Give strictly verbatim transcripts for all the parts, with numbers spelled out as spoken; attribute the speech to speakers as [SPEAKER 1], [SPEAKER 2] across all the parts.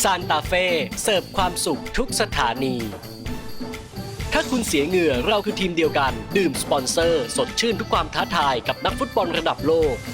[SPEAKER 1] ซานตาเฟ่เสิร์ฟความสุขทุกสถานี ถ้าคุณเสียเหงื่อเราคือทีมเดียวกันดื่มสปอนเซอร์สดชื่นทุกความท้าทายกับนักฟุตบอลระดับโลก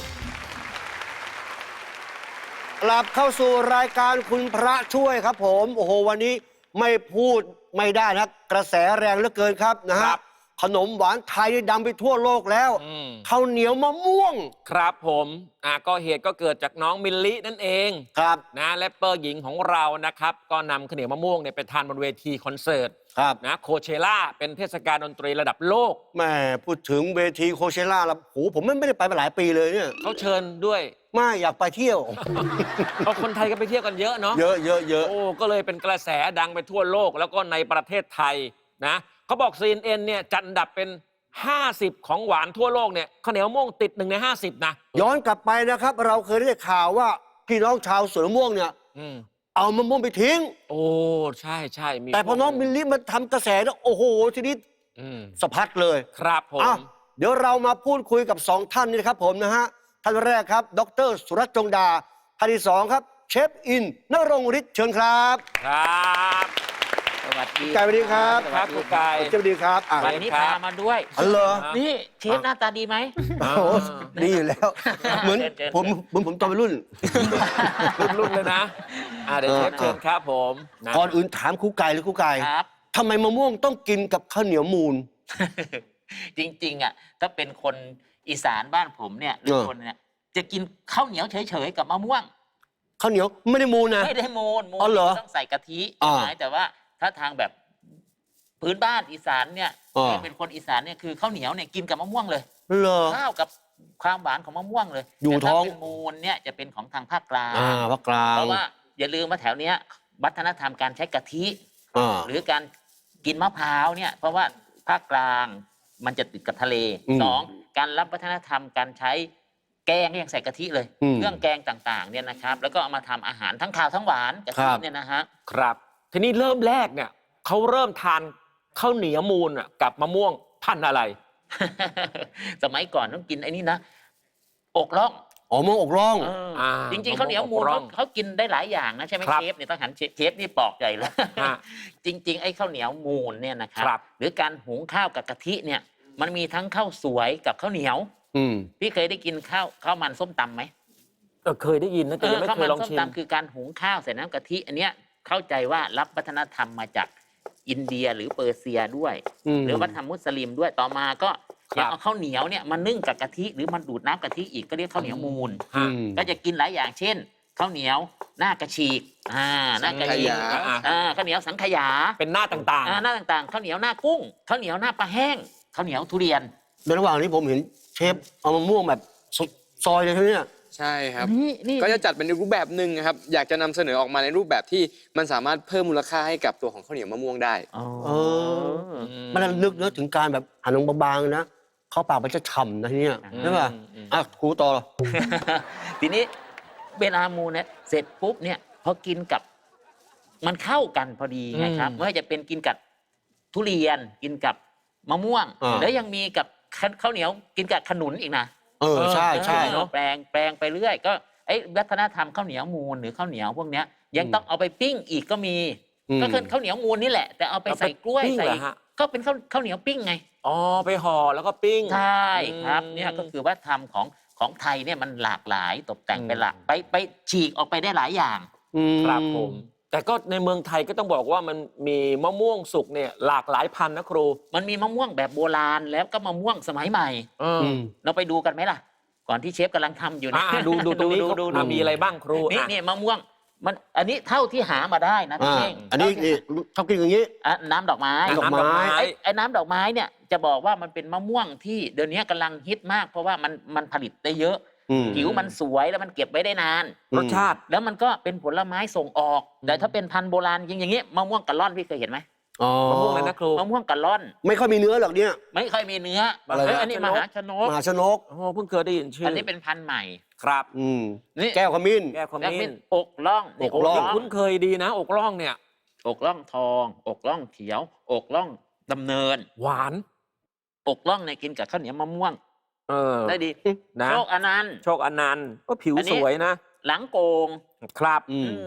[SPEAKER 2] กลับเข้าสู่รายการคุณพระช่วยครับผมโอ้โหวันนี้ไม่พูดไม่ได้นะกระแสแรงเหลือเกินครับนะฮะขนมหวานไทยดังไปทั่วโลกแล้วข้าวเหนียวมะม่วง
[SPEAKER 3] ครับผมอ่ะก็เหตุก็เกิดจากน้องมิลลินั่นเอง
[SPEAKER 2] ครับ
[SPEAKER 3] นะแรปเปอร์หญิงของเรานะครับก็นำข้าวเหนียวมะม่วงเนี่ยไปทานบนเวทีคอนเสิร์ต
[SPEAKER 2] ครับ
[SPEAKER 3] นะโคเชล่าเป็นเทศกาลดนตรีระดับโลก
[SPEAKER 2] แม่พูดถึงเวทีโคเชล่าแล้วโหผมไม่ได้ไปมาหลายปีเลยเนี่ย
[SPEAKER 3] เขาเชิญด้วย
[SPEAKER 2] ไม่อยากไปเที่ยว
[SPEAKER 3] เอาคนไทยก็ไปเที่ยวกันเยอะเนาะ
[SPEAKER 2] เยอะเยอะเยอะ
[SPEAKER 3] โอ้ก็เลยเป็นกระแสดังไปทั่วโลกแล้วก็ในประเทศไทยนะเขาบอก ซี เอ็น เอ็น เนี่ยจัดอันดับเป็นห้าสิบของหวานทั่วโลกเนี่ยข้าวเหนียวมะม่วงติดหนึ่งในห้าสิบนะ
[SPEAKER 2] ย้อนกลับไปนะครับเราเคยได้ข่าวว่าพี่น้องชาวสวนมะม่วงเนี่ยเอามะม่วงไปทิ้ง
[SPEAKER 3] โอ้ใช่ใช่
[SPEAKER 2] แต่พอน้องมิลลิมาทำกระแสแล้วโอ้โหทีนี้สะพัดเลย
[SPEAKER 3] ครับผม
[SPEAKER 2] เดี๋ยวเรามาพูดคุยกับสองท่านนี่นะครับผมนะฮะท่านแรกครับดรสุรัตน์จงดาท่านที่สองครับเชฟอินณรงค์ฤทธิ์เชิญครับ
[SPEAKER 3] ครับสวัสดี
[SPEAKER 2] ไก่สวัสดีครับ
[SPEAKER 3] ครับคุณไก่
[SPEAKER 2] สวัสดีครับ
[SPEAKER 4] วันนี้พามาด้วย
[SPEAKER 2] อ๋อเหรอ
[SPEAKER 4] นี่เชฟหน้าตาดีไหม
[SPEAKER 2] โอ้ดีอยู่แล้วเหมือนผมเหมือนผมตอนเป็นรุ่น
[SPEAKER 3] รุ่นเลยนะเดี๋ยวเชฟเชิญครับผม
[SPEAKER 2] ก่อนอื่นถามครูไก่หรือครูไก่ทำไมมะม่วงต้องกินกับข้าวเหนียวมูน
[SPEAKER 4] จริงๆอ่ะถ้าเป็นคนอีสานบ้านผมเนี่ยหรือคนเนี่ยจะกินข้าวเหนียวเฉยๆกับมะม่วง
[SPEAKER 2] ข้าวเหนียวไม่ได้มูนนะ
[SPEAKER 4] ไม่ได้มูนมูนต้องใส่กะทิแต่ว่าถ้าทางแบบพื้นบ้านอีสานเนี่ยเป็นคนอีสานเนี่ยคือข้าวเหนียวเนี่ยกินกับมะม่วงเลยข้าวกับความหวานของมะม่วงเลย
[SPEAKER 2] อยู่ท้อง
[SPEAKER 4] เป็นมูนเนี่ยจะเป็นของทางภาคกลาง
[SPEAKER 2] ภาคกลาง
[SPEAKER 4] เพราะว่าอย่าลืมว่าแถวเนี้ยวัฒนธรรมการใช้กะทิหรือการกินมะพร้าวเนี่ยเพราะว่าภาคกลางมันจะติดกับทะเลสองการรับวัฒนธรรมการใช้แกงยังใส่กะทิเลยเครื่องแกงต่างๆเนี่ยนะครับแล้วก็เอามาทำอาหารทั้งข้าวทั้งหวานกะทิเนี่ยนะฮะ
[SPEAKER 3] ครับทีนี้เริ่มแรกเนี่ยเขาเริ่มทานข้าวเหนียวมูนกับมะม่วงพันธุ์อะไร
[SPEAKER 4] สมัยก่อนต้องกินไอ้นี่นะอกล่อง
[SPEAKER 2] อ๋อมะม่วงอกล่อง
[SPEAKER 4] จริงๆข้าวเหนียวมูนเขากินได้หลายอย่างนะใช่ไหมเชฟเนี่ยต้องหันเชฟนี่ปอกใหญ่เลยจริงๆไอ้ข้าวเหนียวมูนเนี่ยนะครับหรือการหุงข้าวกับกะทิเนี่ยมันมีทั้งข้าวสวยกับข้าวเหนียวพี่เคยได้กินข้าวข้าวมันส้มตำไหม
[SPEAKER 3] เคยได้ยินนะแต่ยังไม่เคยลองชิม
[SPEAKER 4] ข้าวมันส้มตำคือการหุงข้าวใส่น้ำกะทิอันเนี้ยเข้าใจว่ารับวัฒนธรรมมาจากอินเดียหรือเปอร์เซียด้วยหรือวัฒนธรรมมุสลิมด้วยต่อมาก็ยังเอาข้าวเหนียวเนี่ยมานึ่งกับกะทิหรือมันดูดน้ำกะทิอีกก็เรียกข้าวเหนียวมูนก็จะกินหลายอย่างเช่นข้าวเหนียวหน้ากระชีกอ่าหน้ากระชีกอ่าข้าวเหนียวสังขยา
[SPEAKER 3] เป็นหน้าต่างๆ
[SPEAKER 4] อ่าหน้าต่างๆข้าวเหนียวหน้ากุ้งข้าวเหนียวหน้าปลาแห้งข้าวเหนียวทุเรียน
[SPEAKER 2] ในระหว่างนี้ผมเห็นเชฟเอามะม่วงแบบซอยเลยใช่ไหมเนี่ย
[SPEAKER 5] ใช่ครับก็จะจัดเป็นรูปแบบหนึ่งครับอยากจะนำเสนอออกมาในรูปแบบที่มันสามารถเพิ่มมูลค่าให้กับตัวของข้าวเหนียวมะม่วงได้
[SPEAKER 2] เออมันนึกนึกถึงการแบบหั่นลงบางๆนะเข้าปากมันจะฉ่ำนะทีเนี้ยใช่ป่ะอ่ะครูต่อ
[SPEAKER 4] ทีนี้เวลามูเนี่ยเสร็จปุ๊บเนี่ยพอกินกับมันเข้ากันพอดีไงครับไม่ว่าจะเป็นกินกับทุเรียนกินกับมะม่วงแล้วยังมีกับข้าวเหนียวกินกับขนุนอีกนะ
[SPEAKER 2] เออใช่ใช่
[SPEAKER 4] แปลงแปลงไปเรื่อยก็ไอ้วัฒนธรรมข้าวเหนียวมูนหรือข้าวเหนียวพวกเนี้ยยังต้องเอาไปปิ้งอีกก็มีก็คือข้าวเหนียวมูนนี่แหละแต่เอาไปใส่กล้วยใส่ก็เป็นข้าวข้าวเหนียวปิ้งไง
[SPEAKER 3] อ๋อไปห่อแล้วก็ปิ้ง
[SPEAKER 4] ใช่ครับเนี่ยก็คือวัฒนธรรมของของไทยเนี่ยมันหลากหลายตกแต่งไปหลากไปไปฉีกออกไปได้หลายอย่าง
[SPEAKER 3] ครับผมแต่ก็ในเมืองไทยก็ต้องบอกว่ามันมีมะม่วงสุกเนี่ยหลากหลายพันธุ์นะครู
[SPEAKER 4] มันมีมะม่วงแบบโบราณแล้วก็มะม่วงสมัยใหม่เราไปดูกันไหมล่ะก่อนที่เชฟกำลังทำอยู่นะ
[SPEAKER 3] ดูดูตรงนี้ดูมีอะไรบ้างครู
[SPEAKER 4] นี่นี่มะม่วงมันอันนี้เท่าที่หามาได้นะพี่เอง
[SPEAKER 2] อันนี้นี่ชอบกินอย่างนี้
[SPEAKER 4] น้ำดอกไม้
[SPEAKER 2] ดอกไม้
[SPEAKER 4] ไอ้น้ำดอกไม้เนี่ยจะบอกว่ามันเป็นมะม่วงที่เดี๋ยวนี้กำลังฮิตมากเพราะว่ามันมันผลิตได้เยอะผิวมันสวยแล้วมันเก็บไว้ได้นาน
[SPEAKER 3] รสชาติ
[SPEAKER 4] แล้วมันก็เป็นผลไม้ส่งออกแต่ถ้าเป็นพันธุ์โบราณอย่างงี้มะม่วงกะล่อนพี่เคยเห็นไหม
[SPEAKER 3] มะม่วงเลยนะครู
[SPEAKER 4] มะม่วงกะล่อน
[SPEAKER 2] ไม่ค่อยมีเนื้อหรอกเนี่ย
[SPEAKER 4] ไม่ค่อยมีเนื้ออันนี้มหาชนก
[SPEAKER 2] มหาชนก
[SPEAKER 3] โอ้เพิ่งเคยได้ยินชื่อ
[SPEAKER 4] อันนี้เป็นพันธุ์ใหม่
[SPEAKER 3] ครับ
[SPEAKER 2] อืมนี่แก้วขมิ้น
[SPEAKER 3] แก้วขมิ้น
[SPEAKER 4] อกล่อง
[SPEAKER 2] อกล่อง
[SPEAKER 3] คุ้นเคยดีนะอกล่องเนี่ย
[SPEAKER 4] อกล่องทองอกล่องเขียวอกล่องดำเนิน
[SPEAKER 3] หวาน
[SPEAKER 4] อกล่องเนี่ยกินกับข้าวเหนียวมะม่วง
[SPEAKER 3] เออ
[SPEAKER 4] ได้ดีโชคอนันต์
[SPEAKER 3] โชคอนันต์ก็ผิวสวยนะ
[SPEAKER 4] หลังโกง
[SPEAKER 3] ครับ
[SPEAKER 4] อืม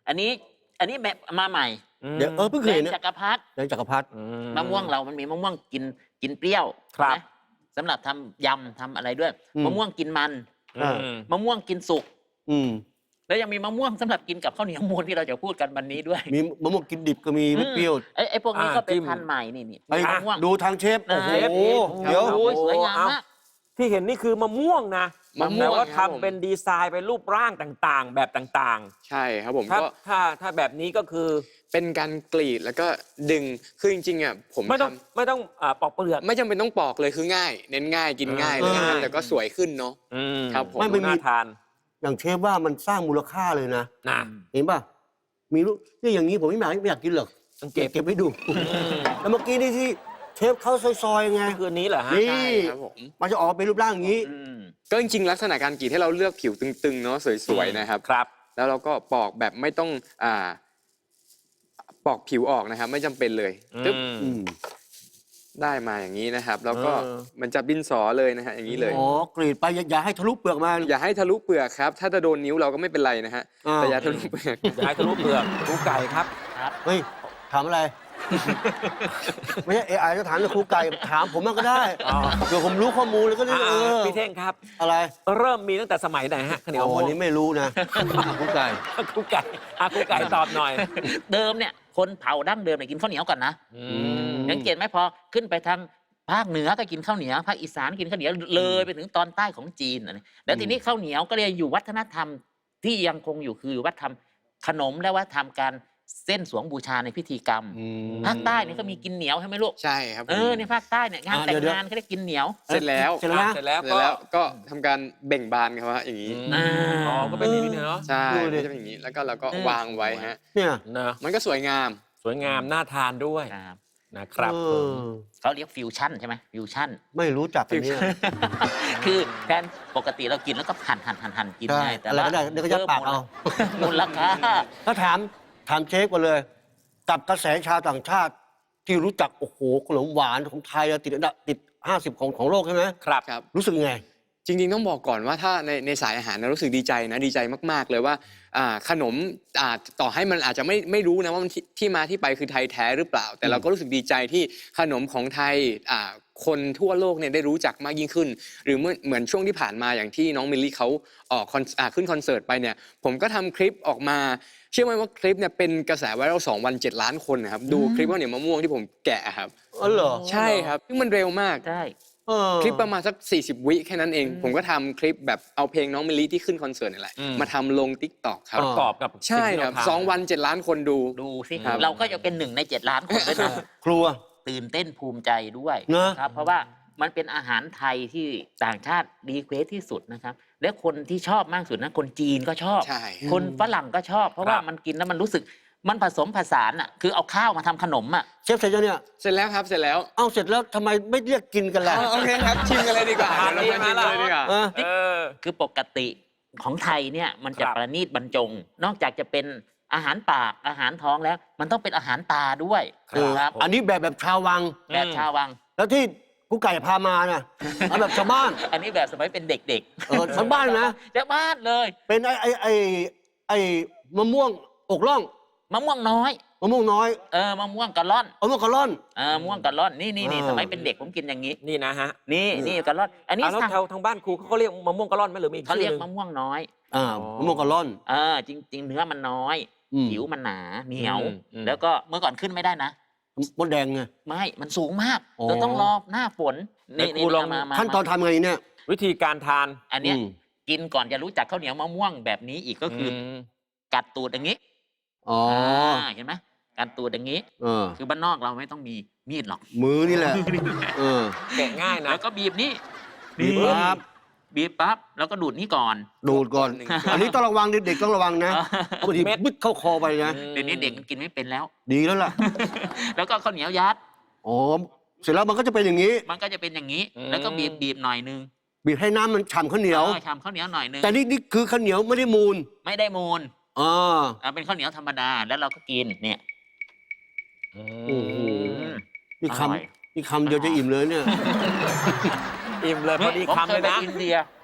[SPEAKER 4] อันนี้อันนี้แบบมาใหม่
[SPEAKER 2] เดี๋ยวเออเพิ่งเคย
[SPEAKER 4] แด
[SPEAKER 2] เห็
[SPEAKER 4] ง
[SPEAKER 2] นนะ
[SPEAKER 4] จักรพรรดิ
[SPEAKER 2] แดงจักรพรรดิ
[SPEAKER 3] อื
[SPEAKER 4] มะม่วงเรามันมีมะม่วงกินกินเปรี้ยว
[SPEAKER 3] ครับ
[SPEAKER 4] ใช่ไหมสำหรับทำยำทำอะไรด้วย
[SPEAKER 2] อืม
[SPEAKER 4] มะม่วงกินมัน
[SPEAKER 3] อืม
[SPEAKER 4] มะม่วงกินสุก
[SPEAKER 2] อืม
[SPEAKER 4] แล้วยังมีมะม่วงสำหรับกินกับข้าวเหนียวมูนที่เราจะพูดกันวันนี้ด้วย
[SPEAKER 2] มีมะม่วงกินดิบก็มีไม่เปรี้ยว
[SPEAKER 4] ไอ้ไอ้พวกนี้
[SPEAKER 3] อ่า
[SPEAKER 4] ก็เป็น
[SPEAKER 3] จิ้ม
[SPEAKER 4] พันธุ์ใหม่นี่นี่
[SPEAKER 2] ไอ้
[SPEAKER 4] มะม่วง
[SPEAKER 2] ดูทางเชฟ โอ้โห
[SPEAKER 4] เชฟ
[SPEAKER 2] เดี๋ยว
[SPEAKER 4] โอ้ยสวยงามมาก
[SPEAKER 3] ที่เห็นนี่คือมะม่วงนะ
[SPEAKER 5] มะม่วง
[SPEAKER 3] แต่ว่า
[SPEAKER 5] ครับผม
[SPEAKER 3] ทำเป็นดีไซน์เป็นรูปร่างต่างๆ แบบต่าง
[SPEAKER 5] ใช่ครับผม
[SPEAKER 3] ๆ ถ้า
[SPEAKER 5] ก็
[SPEAKER 3] ถ้าถ้าแบบนี้ก็คือ
[SPEAKER 5] เป็นการกรีดแล้วก็ดึงคือจริงๆอ่ะผม
[SPEAKER 3] ไม่ต้อง
[SPEAKER 5] ทำ
[SPEAKER 3] ไม่ต้องอ่าปอกเปลือก
[SPEAKER 5] ไม่จำเป็นต้องปอกเลยคือง่าย เน้นง่ายกินง่ายเลยนะครับ
[SPEAKER 2] เออ
[SPEAKER 5] แต่ก็สวยขึ้นเนาะ
[SPEAKER 3] อืม
[SPEAKER 5] ครับผม
[SPEAKER 2] ไม่ไม่มี
[SPEAKER 3] น่าทาน
[SPEAKER 2] อย่างเชฟว่ามันสร้างมูลค่าเลยนะ
[SPEAKER 3] นะ
[SPEAKER 2] เห็นป่ะ มีลูกนี่อย่างนี้ผมไม่อยากไม่อยากกินหรอก
[SPEAKER 3] ต้อง
[SPEAKER 2] เก็
[SPEAKER 3] เก็
[SPEAKER 2] บบ เก็บไว้ดู แล้วเมื่อกี้นี่ที่เชฟเขาซอยๆไง
[SPEAKER 3] คืนนี้เหรอฮะ
[SPEAKER 2] นี่
[SPEAKER 5] ใช่ครับผม
[SPEAKER 2] มันจะออกเป็นรูปร่างอย่างนี้
[SPEAKER 4] อืม
[SPEAKER 5] ก็จริงๆลักษณะการกรีดให้เราเลือกผิวตึงๆเนาะสวยๆนะครับ
[SPEAKER 3] ครับ
[SPEAKER 5] แล้วเราก็ปอกแบบไม่ต้องอ่าปอกผิวออกนะครับ ไม่จำเป็นเลยตึ๊บ
[SPEAKER 3] อืม
[SPEAKER 2] อืม
[SPEAKER 5] ได้มาอย่างนี้นะครับ แล้วก็
[SPEAKER 3] เออ
[SPEAKER 5] มันจะบินสอเลยนะฮะอย่างนี้เลย
[SPEAKER 2] อ๋อกรีดไปอย่าอย่าให้ทะลุเปลือกมา
[SPEAKER 5] อย่าให้ทะลุเปลือกครับ ถ้าจะโดนนิ้วเราก็ไม่เป็นไรนะฮะ
[SPEAKER 2] อ่า
[SPEAKER 5] แต่อย่าทะลุเปลือก
[SPEAKER 3] อย่าให้ทะลุเปลือกลูกไก่ครับ
[SPEAKER 2] เฮ้ย ถามอะไร ไม่ใช่เอไอจะถามเรื่องครูไก่ถามผมมันก็ได้
[SPEAKER 3] อ๋อ
[SPEAKER 2] เดี๋ยวผมรู้ข้อมูลแล้วก็ได้
[SPEAKER 3] อ่า
[SPEAKER 2] เออ
[SPEAKER 3] พี่เท่งครับ
[SPEAKER 2] อะไร
[SPEAKER 3] เริ่มมีตั้งแต่สมัยไหนฮะข้าวเหนียว
[SPEAKER 2] อ๋อ
[SPEAKER 3] ม่ว
[SPEAKER 2] อั
[SPEAKER 3] ง
[SPEAKER 2] นนี้ไม่รู้นะครูไก่
[SPEAKER 3] ครูไก่อ่ะครูไก่ตอบหน่อย
[SPEAKER 4] เดิมเนี่ยคนเผาดั้งเดิมเนี่ยกินข้าวเหนียวก่อนนะ
[SPEAKER 3] อื
[SPEAKER 2] ม
[SPEAKER 4] สังเกตไหมพอขึ้นไปทางภาคเหนือก็กินข้าวเหนียวภาคอีสานกินข้าวเหนียวเลยไปถึงตอนใต้ของจีนอันนี้แล้วทีนี้ข้าวเหนียวก็เลยอยู่วัฒนธรรมที่ยังคงอยู่คือวัฒนธรรมขนมและวัฒนธรรมการเส้นสวงบูชาในพิธีกรรม
[SPEAKER 2] อืม
[SPEAKER 4] ภาคใต้เนี่ยก็มีกินเหนียวใช่ไหมลูก
[SPEAKER 5] ใช่ครับผม
[SPEAKER 4] เออในภาคใต้เนี่ยงาน
[SPEAKER 2] อ่า
[SPEAKER 4] แต่ง
[SPEAKER 2] เดี๋ยว
[SPEAKER 4] งานเขาเรียกกินเหนียว
[SPEAKER 5] เสร็จแล้ว
[SPEAKER 2] เสร็จแล้วนะ
[SPEAKER 3] เสร็จแล้ว
[SPEAKER 5] เสร็จ
[SPEAKER 3] ก็
[SPEAKER 5] แล้วก็ทำการเบ่งบานครับว่าอย่างนี้
[SPEAKER 3] อืมอ๋อก็เป็นอย่างนี้เนาะ
[SPEAKER 5] ใช่
[SPEAKER 2] ดูดิ
[SPEAKER 5] มันจะเป็นอย่างนี้แล้วก็เราก็
[SPEAKER 4] เออ
[SPEAKER 5] วางไว้ฮะ
[SPEAKER 2] เนี่ย
[SPEAKER 3] เนอะ
[SPEAKER 5] มันก็สวยงาม
[SPEAKER 3] สวยงามน่าทานด้วย
[SPEAKER 4] ครับ
[SPEAKER 3] นะครับ
[SPEAKER 2] เอ
[SPEAKER 3] ผม
[SPEAKER 2] อ
[SPEAKER 4] เขาเรียกฟิวชั่นใช่ไหมฟิวชั่น
[SPEAKER 2] ไม่รู้จักอันเนี้ย
[SPEAKER 4] คือแทนปกติเรากินแล้วก็หั่นหั่นหั่นหั่นกิน
[SPEAKER 2] ใช่
[SPEAKER 4] ไงแต่
[SPEAKER 2] อะไรก็ได้เดี๋ยวก็ยัดปากเอา
[SPEAKER 4] มูลค่า
[SPEAKER 2] ถ้าถามถามเชฟกันเลย กับกระแสชาวต่างชาติ ที่รู้จัก โอ้โหขนมหวานของไทยติดอันดับติดห้าสิบของของโลกใช่ไหม
[SPEAKER 3] ครับ
[SPEAKER 5] ครับ
[SPEAKER 2] รู้สึกยังไง
[SPEAKER 5] จริงๆต้องบอกก่อนว่าถ้าในในสายอาหารนะรู้สึกดีใจนะดีใจมากๆเลยว่าอ่าขนมอ่าต่อให้มันอาจจะไม่ไม่รู้นะว่ามันที่ที่มาที่ไปคือไทยแท้หรือเปล่า แต่เราก็รู้สึกดีใจที่ขนมของไทยอ่าคนทั่วโลกเนี่ยได้รู้จักมากยิ่งขึ้น หรือเมื่อเหมือนช่วงที่ผ่านมาอย่างที่น้องมิลลี่เขาออกคอนอ่าขึ้นคอนเสิร์ตไปเนี่ยผมก็ทำคลิปออกมาเชื่อไหมว่าคลิปเนี่ยเป็นกระแสไวรัลสองวันเจ็ดล้านคนนะครับดูคลิปข้าวเหนียวมะม่วงที่ผมแกะครับ
[SPEAKER 2] อ๋อเหรอ
[SPEAKER 5] ใช่ครับซึ่งมันเร็วมาก
[SPEAKER 4] ได้
[SPEAKER 2] เออ
[SPEAKER 5] คลิปประมาณสักสี่สิบวิแค่นั้นเอง ผมก็ทำคลิปแบบเอาเพลงน้องมิลลี่ที่ขึ้นคอนเสิร์ตนี่แหละ
[SPEAKER 3] อืม
[SPEAKER 5] มาทำลง ติ๊กต็อกครับ
[SPEAKER 3] ประกอบกับ
[SPEAKER 5] ใช่
[SPEAKER 3] สิ่งที่
[SPEAKER 5] ครับ
[SPEAKER 3] เาทำ
[SPEAKER 5] สองวันเจ็ดล้านคนดู
[SPEAKER 4] ดูสิ
[SPEAKER 5] ครับ
[SPEAKER 4] เราก็จะเป็นหนึ่งในเจ็ดล้านคนด้วยนะ
[SPEAKER 2] ครัว
[SPEAKER 4] ตื่นเต้นภูมิใจด้วย
[SPEAKER 2] เนอะ
[SPEAKER 4] ครับ เพราะว่ามันเป็นอาหารไทยที่ต่างชาติรีเควสที่สุดนะครับ และคนที่ชอบมากสุดนะคนจีนก็ชอบ
[SPEAKER 5] ใช่
[SPEAKER 4] คนฝรั่งก็ชอบ เพราะว่า
[SPEAKER 3] ครับ
[SPEAKER 4] มันกินแล้วมันรู้สึกมันผสมผสานอ่ะคือเอาข้าวมาทำขนมอ่ะ
[SPEAKER 2] เชฟเสร็จยังเนี่ย
[SPEAKER 5] เสร็จแล้วครับเสร็จแล้ว
[SPEAKER 2] เอาเสร็จแล้วทำไมไม่เรียกกินกันล่ะ
[SPEAKER 5] โอเคครับชิมกันเลยดีกว่า
[SPEAKER 3] ทาน
[SPEAKER 5] เดี๋ยวเรามาชิม
[SPEAKER 3] ดี
[SPEAKER 5] กันเลยดีกว่า
[SPEAKER 2] เออ
[SPEAKER 3] เออ
[SPEAKER 4] คือปกติของไทยเนี่ยมันจะ
[SPEAKER 3] ครับ
[SPEAKER 4] ประณีตบรรจง นอกจากจะเป็นอาหารปากอาหารท้องแล้ว มันต้องเป็นอาหารตาด้วย
[SPEAKER 2] เออ
[SPEAKER 4] ครับ
[SPEAKER 2] อันนี้แบบแบบชาววัง
[SPEAKER 4] แบบชาววัง
[SPEAKER 2] แล้วที่กูไก่พามาน่ะเอาแบบชาวบ้าน
[SPEAKER 4] อันนี้แบบสมัยเป็นเด็ก
[SPEAKER 2] เออชาวบ้านนะ
[SPEAKER 4] ๆชาวบ้านเลย
[SPEAKER 2] เป็นไอ้ไอ้ไอ้ไอ้มะม่วงอกล่อง
[SPEAKER 4] มะม่วงน้อย
[SPEAKER 2] มะม่วงน้อย
[SPEAKER 4] เออมะม่วงกะล่อน
[SPEAKER 2] มะม่วงกะล่อน
[SPEAKER 4] เออมะม่วงกะล่อนนี่นี่นี่
[SPEAKER 2] อ่า
[SPEAKER 4] สมัยเป็นเด็กผมกินอย่างนี้
[SPEAKER 3] นี่นะฮะ
[SPEAKER 4] นี่นี่กะล่อน อันนี้
[SPEAKER 3] อ่ะแล้ว
[SPEAKER 4] สั่ง
[SPEAKER 3] แถวทางบ้านครูเขาก็เรียกมะม่วงกะล่อนไหมหรือมีอีก
[SPEAKER 4] เขา
[SPEAKER 3] ชื่
[SPEAKER 4] เรี
[SPEAKER 3] อย
[SPEAKER 4] ก
[SPEAKER 3] หนึ่ง
[SPEAKER 4] มะม่วงน้อย
[SPEAKER 2] อ่า
[SPEAKER 3] อ๋อ
[SPEAKER 2] มะม่วงกะล่อน
[SPEAKER 4] เออจริง ๆ เนื้อมันน้อย
[SPEAKER 2] อืม
[SPEAKER 4] ผิวมันหนาเหนียว
[SPEAKER 3] อืมอืม
[SPEAKER 4] แล้วก็เมื่อก่อนขึ้นไม่ได้นะ
[SPEAKER 2] มดแดงไง
[SPEAKER 4] ไม่มันสูงมาก
[SPEAKER 2] อ๋อ
[SPEAKER 4] เราต้องรอหน้าฝนนี่
[SPEAKER 3] ไหนครู
[SPEAKER 4] นี่
[SPEAKER 3] ลอง
[SPEAKER 4] มามา
[SPEAKER 2] ขั้นตอนทำไงเนี่ย
[SPEAKER 3] วิธีการทาน
[SPEAKER 4] อันเนี้ย
[SPEAKER 2] อืม
[SPEAKER 4] กินก่อนจะรู้จักข้าวเหนียวมะม่วงแบบนี้อีกก็คืออ
[SPEAKER 3] ม
[SPEAKER 4] กัดตูดอย่างนี้
[SPEAKER 2] อ๋อ
[SPEAKER 4] าเห็นไหมกัดตูดอย่างนี้
[SPEAKER 2] เออ
[SPEAKER 4] คือบ้านนอกเราไม่ต้องมีมีดหรอก
[SPEAKER 2] มือนี่แหละ เออ
[SPEAKER 3] แกะง่ายนะ
[SPEAKER 4] แล้วก็บีบนี่
[SPEAKER 2] บีบปั๊บ
[SPEAKER 4] บีบปั๊บแล้วก็ดูดนี่ก่อน
[SPEAKER 2] ดูดก่อน
[SPEAKER 5] หนึ่ง
[SPEAKER 2] อันนี้ต้องระวังเด็กๆต้องระวังนะเพราะบางที
[SPEAKER 3] เม็ด
[SPEAKER 2] บึ้ดเข้าคอไปนะ
[SPEAKER 4] เดี๋ยวนี้เด็กมันกินไม่เป็นแล้ว
[SPEAKER 2] ดีแล้วล่ะ
[SPEAKER 4] แล้วก็ข้าวเหนียวยัด
[SPEAKER 2] อ๋อ เสร็จแล้วมันก็จะเป็นอย่างนี้
[SPEAKER 4] มันก็จะเป็นอย่างนี้
[SPEAKER 3] อืม
[SPEAKER 4] แล้วก็บีบบีบหน่อยนึง
[SPEAKER 2] บีบให้น้ำมันฉ่ำข้าวเหนียว
[SPEAKER 4] ออทำข้าวเหนียวหน่อยนึง
[SPEAKER 2] แต่นี่นี่คือข้าวเหนียวไม่ได้มูล
[SPEAKER 4] ไม่ได้มูล
[SPEAKER 2] อ่า
[SPEAKER 4] เอาเป็นข้าวเหนียวธรรมดาแล้วเราก็กินเนี่ย
[SPEAKER 3] อื
[SPEAKER 2] โอ้โห
[SPEAKER 3] ม
[SPEAKER 2] นี่
[SPEAKER 4] อร่อย
[SPEAKER 2] คำนี่คำเดียวจะอิ่มเลยเนี่ย
[SPEAKER 3] อิ่มเลยพอดี
[SPEAKER 4] ผม
[SPEAKER 3] คำ
[SPEAKER 4] เค
[SPEAKER 3] เลย ย
[SPEAKER 4] ไป
[SPEAKER 3] นะ
[SPEAKER 4] อินเดีย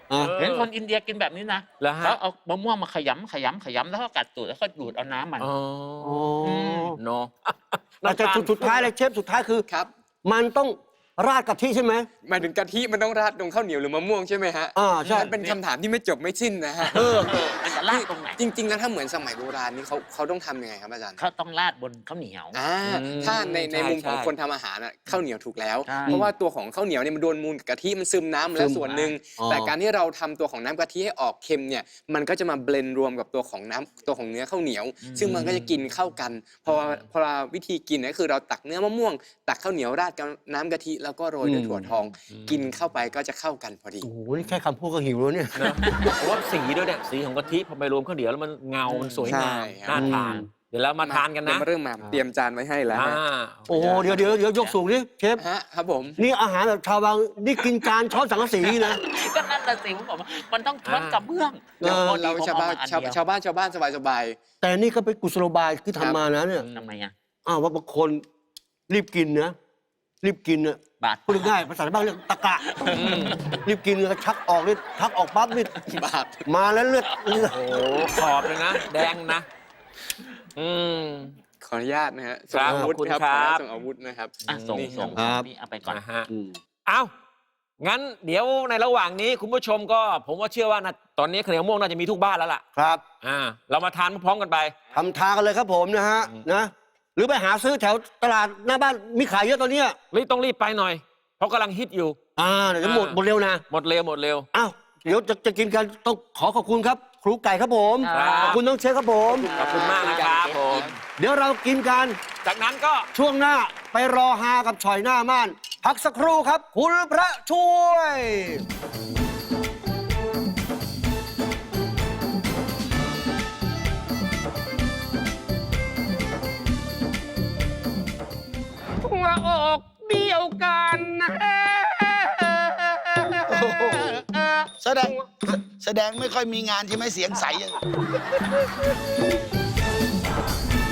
[SPEAKER 2] อ่ะ
[SPEAKER 3] เออ
[SPEAKER 4] เห็นคนอินเดียกินแบบนี้นะ
[SPEAKER 3] เหรอฮะ
[SPEAKER 4] เขาเอามะม่วงมาขยำขยำขยำแล้วก็กัดตูดแล้วก็ดูดเอาน้ำมัน
[SPEAKER 3] อ๋อ
[SPEAKER 2] อ๋อ
[SPEAKER 3] เนาะ
[SPEAKER 2] อาจจะสุดท้ายเลยเชฟสุดท้ายคือ
[SPEAKER 5] ครับ
[SPEAKER 2] มันต้องราดกะทิใช่ไหม
[SPEAKER 5] หมายถึงกะทิมันต้องราดตรงข้าวเหนียวหรือมะม่วงใช่ไหมฮะ
[SPEAKER 2] อ่าใช่
[SPEAKER 5] มันเป็นคำถามที่ไม่จบไม่สิ้นนะฮะ
[SPEAKER 2] เออ
[SPEAKER 4] มันจะราดตรงไหน
[SPEAKER 5] จริง ๆ แล้วถ้าเหมือนสมัยโบราณนี่เขาเขาต้องทำยังไงครับอาจารย์
[SPEAKER 4] เขาต้องราดบนข้าวเหนียว
[SPEAKER 5] อ่า
[SPEAKER 3] อืม
[SPEAKER 5] ถ้าในใน
[SPEAKER 3] ใช่
[SPEAKER 5] มุมของ
[SPEAKER 3] ใช่
[SPEAKER 5] คนทำอาหารน่ะข้าวเหนียวถูกแล้ว
[SPEAKER 4] ใช่
[SPEAKER 5] เพราะว่าตัวของข้าวเหนียวเนี่ยมันโดนมูลกับกะทิมันซึมน้ำมาแล้ว
[SPEAKER 2] ซึม
[SPEAKER 5] ส่วนหนึ่ง
[SPEAKER 2] อ๋อ
[SPEAKER 5] แต่การที่เราทำตัวของน้ำกะทิให้ออกเค็มเนี่ยมันก็จะมาเบลนด์รวมกับตัวของน้ำตัวของเนื้อข้าวเหนียว ซึ่งมันก็จะกินเข้ากันพอพอวิธีกินเนี่ยคือเราตักเนื้อมะม่วง ตักข้าวเหนียวราดกับน้ำกะทิแล้วก็โรยด้วยถั่วทอง กินเข้าไปก็จะเข้ากันพอดี
[SPEAKER 2] โอ้โหนี่แค่คำพูดก็หิวแล้วเนี่ย
[SPEAKER 3] นะเพราะว่าสีด้วยเนี่ยสีของกะทิพอไปรวมข้าวเหนียวแล้วมันเงา มันสวยงาม
[SPEAKER 5] ใช่ครับ
[SPEAKER 3] น่าทาน เดี๋ยวเรามาทานกันนะ
[SPEAKER 5] เดี๋ยวมาเริ่มมาเตรียมจานไว้ให้แล้ว
[SPEAKER 3] อ่า
[SPEAKER 5] ฮะ
[SPEAKER 2] โอ้โหเดี๋ยวเดี๋ยวเดี๋ยวยกสูงดิเชฟ
[SPEAKER 5] ฮะครับผม
[SPEAKER 2] นี่อาหารแบบชาวบางนี่กินจานช้อนสังกะสีนะ
[SPEAKER 4] ก็นั่นแหละสิผมบอกว่ามันต้องช้อนกับเบื้อง
[SPEAKER 2] เออ
[SPEAKER 4] พอดี
[SPEAKER 5] เรา
[SPEAKER 4] ผม
[SPEAKER 5] ชาว
[SPEAKER 4] เอ
[SPEAKER 5] บ้าน
[SPEAKER 4] มอั
[SPEAKER 5] ชาว
[SPEAKER 4] เดีย
[SPEAKER 5] ชาวบ้านชาวบ้านสบายสบาย
[SPEAKER 2] แต่นี่ก็เป็นกุศโลบายที่ทำมานะเนี่ย
[SPEAKER 4] ทำไมอ่ะ
[SPEAKER 2] อ้าวว่าบางคนรีบกินนะรีบกินนะ
[SPEAKER 4] บาด
[SPEAKER 2] พูดง่ายๆภาษาบ้านเรียกตะกะรีบกินแล้วชักออกนี่ชักออกปั๊บนี่
[SPEAKER 5] บาป
[SPEAKER 2] มาแล้วเลือดเลือด
[SPEAKER 3] โอ้โหขอบเลยนะ แดงนะ อืม
[SPEAKER 5] ขออนุญาตนะฮะ
[SPEAKER 3] ครับ
[SPEAKER 5] ส่งอาวุธ
[SPEAKER 3] ขอบคุณ
[SPEAKER 5] ครับ
[SPEAKER 3] ค
[SPEAKER 5] ข
[SPEAKER 3] รั
[SPEAKER 5] อบ อนุญาตส่งอาวุธนะครับ
[SPEAKER 4] อ่ะส่ง
[SPEAKER 5] นี่
[SPEAKER 4] ส่ง
[SPEAKER 2] ครับ
[SPEAKER 4] นี่เอาไปก่อน
[SPEAKER 3] นะฮะ
[SPEAKER 2] อืม
[SPEAKER 3] เอางั้นเดี๋ยวในระหว่างนี้คุณผู้ชมก็ผมว่าเชื่อว่านะตอนนี้ข้าวเหนียวมะม่วงน่าจะมีทุกบ้านแล้วล่ะ
[SPEAKER 2] ครับ
[SPEAKER 3] อ่า เรามาทานพร้อมๆกันไป
[SPEAKER 2] ทำทานกันเลยครับผมนะฮะนะหรือไปหาซื้อแถวตลาดหน้าบ้านมีขายเยอะตอนเนี้ย
[SPEAKER 3] รีบต้องรีบไปหน่อย เพราะกำลังฮิตอยู่
[SPEAKER 2] อ่าเดี๋ยวจะหมด
[SPEAKER 3] อ่า
[SPEAKER 2] หมดเร็วนะ
[SPEAKER 3] หมดเร็วหมดเร็ว
[SPEAKER 2] อ้าวเดี๋ยวจะจะกินกันต้องขอขอบคุณครับ ครูไก่ครับผม
[SPEAKER 3] ครับ
[SPEAKER 2] ขอบคุณน้องเชฟครับผม
[SPEAKER 3] ขอบคุณมากนะครับผม
[SPEAKER 2] เดี๋ยวเรากินกัน
[SPEAKER 3] จากนั้นก็
[SPEAKER 2] ช่วงหน้าไปรอฮากับฉ่อยหน้าม่าน พักสักครู่ครับ คุณพระช่วย
[SPEAKER 3] หัวอกเดียวกันนะ
[SPEAKER 6] แสดงแสดงไม่ค่อยมีงานใช่ไหมเสียงใสอย่าง